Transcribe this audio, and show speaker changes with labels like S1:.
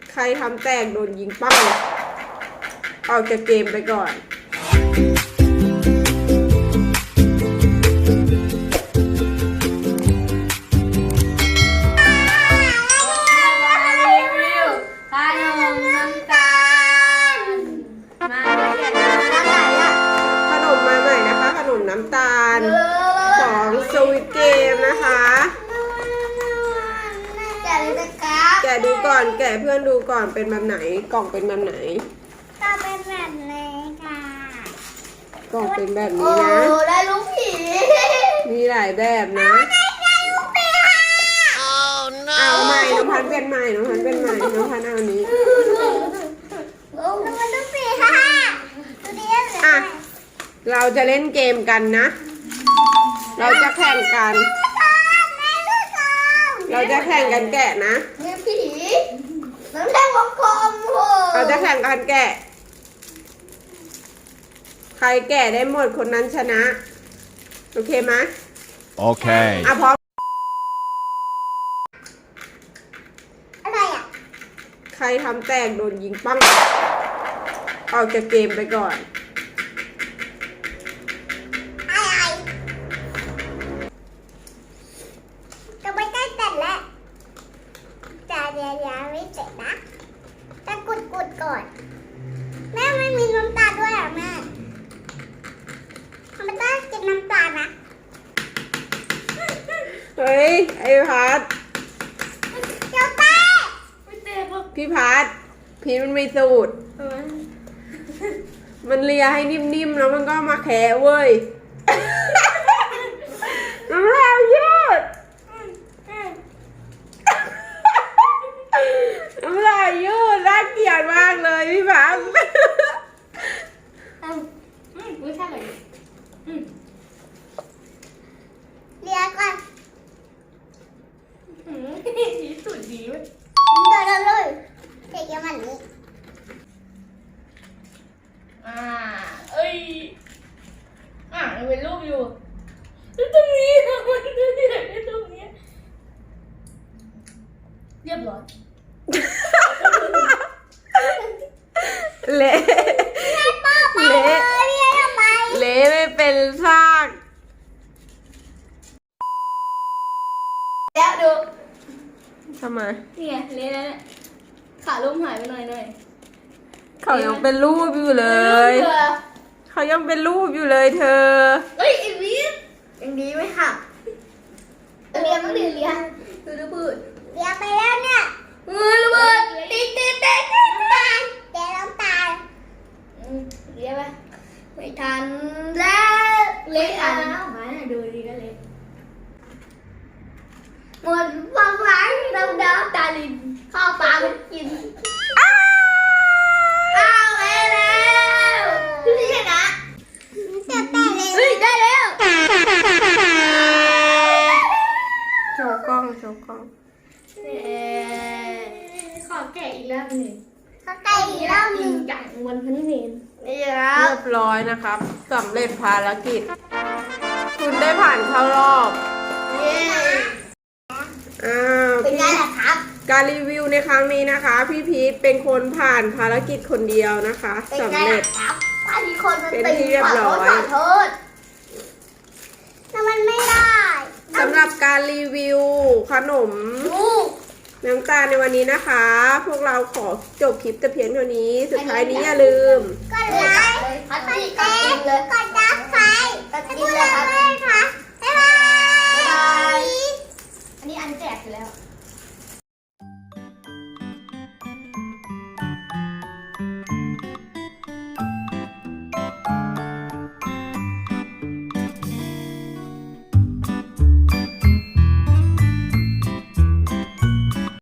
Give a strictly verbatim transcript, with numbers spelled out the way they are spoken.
S1: ใครทำแตกโดนยิงเป้าออกจากเกมไปก่อนน้ำตาลของสวิตเกมนะคะแกะเลยนะครับแกะดูก่อนแกะเพื่อนดูก่อนเป็นแบบไหนกล่องเป็นแบบไหน
S2: ก็เป็นแบบนี้ค่ะ
S1: กล่องเป็นแบบนี้นะ
S2: โอ้ได้ลูกผี
S1: มีหลายแบบนะ
S2: ได้ลูกผีค่ะ
S1: เอาใหม่น้องพันเป็นใหม่น้องพันเป็นใหม่น้องพันเอาอันนี้
S2: โอ้มันลูกผีค่ะตัวนี้
S1: อ่ะเราจะเล่นเกมกันนะเราจะแข่งกันเราจะแข่งกันแกะนะ
S2: มีผีน้ำแดงวงกลม
S1: เราจะแข่งกันแกะใครแกะได้หมดคนนั้นชนะโอเคไหม
S3: โอเค
S1: อ่ะพร้อม
S2: อะไรอ่ะ
S1: ใครทำแตกโดนยิงปั้งออกจากเกมไปก่อน
S2: ก่อนแม่ไม่มีน้ำตาลด้วยอ่ะแม่มันต้องกินน้ำตาลนะ
S1: เฮ้ยไอ้พัด
S2: เจ้าแป้
S1: พี่พัดพีมันมีสูตรมันเลียให้นิ่มๆแล้วมันก็มาแคะเว้ยน้ำลายยืดน้ำลายยืดน่าเกลียดมากเลยพี่พัง
S2: ไม่ใช่เลยเรียกก่อน
S4: นี่สุดดีเว้ย
S2: เดินเลยเด็กยังมันนี้
S4: อ่าเอ้ยอ่ามันเป็นรูปอยู่แล้วตรงนี้มันจะเห็นในตรงนี้เรียบร้อย
S1: เละเละเละไม่เป็นซาก
S4: แล้วดู
S1: ทำไม
S4: นี่ไงเละแล้วเนี่ยขาลุ่มหายไปหน่อยหน่อย
S1: เขายังเป็นรูปอยู่เลยเขายังเป็นรูปอยู่เลยเธอ
S4: เฮ้ยไอ้วิท
S2: ยังดีไหมค่ะ
S4: เรียนต้องเรียนเรียนดูดูบืด
S2: เรียนไปแล้วเนี่ย
S4: มือระเบิดตีตีตีตี
S2: ตาลแกน้ำตาล
S4: เรียนไปไม่ทันแล้วเละอ่ะมาดูดีก็เละหมดฟังร้ายดำดำตาลินข้าวปลามันกินอ้าวอ้าวเละแล้วนี่ชนะ
S2: จะแต่เลย
S4: เฮ้ยได้แล้ว
S1: โชว์กล้องโชว์กล้อง
S4: ขอแกะอีกรอบหนึ่ง
S2: เขาไก่อีกรอบหนึ่ง
S4: จังวันพันเพน
S1: เรียบร้อยนะครับสำเร็จภารกิจคุณได้ผ่านเข้ารอบ
S4: เย้
S1: อ้าว
S2: เป็นไงล่ะครับ
S1: การรีวิวในครั้งนี้นะคะพี่พีทเป็นคนผ่านภารกิจคนเดียวนะคะสำเร็จ
S2: ถ้ามีคนมัน
S1: เป็นที่เรียบร้อย
S2: ขอโทษแต่มันไม่ได้
S1: สำหรับการรีวิวขนมน้ำตาลในวันนี้นะคะพวกเราขอจบคลิปแต่เพียงเท่านี้สุดท้ายนี้อย่าลืม
S2: กดไลค์กดแชร์กดซับสไครบ์กดติดตาม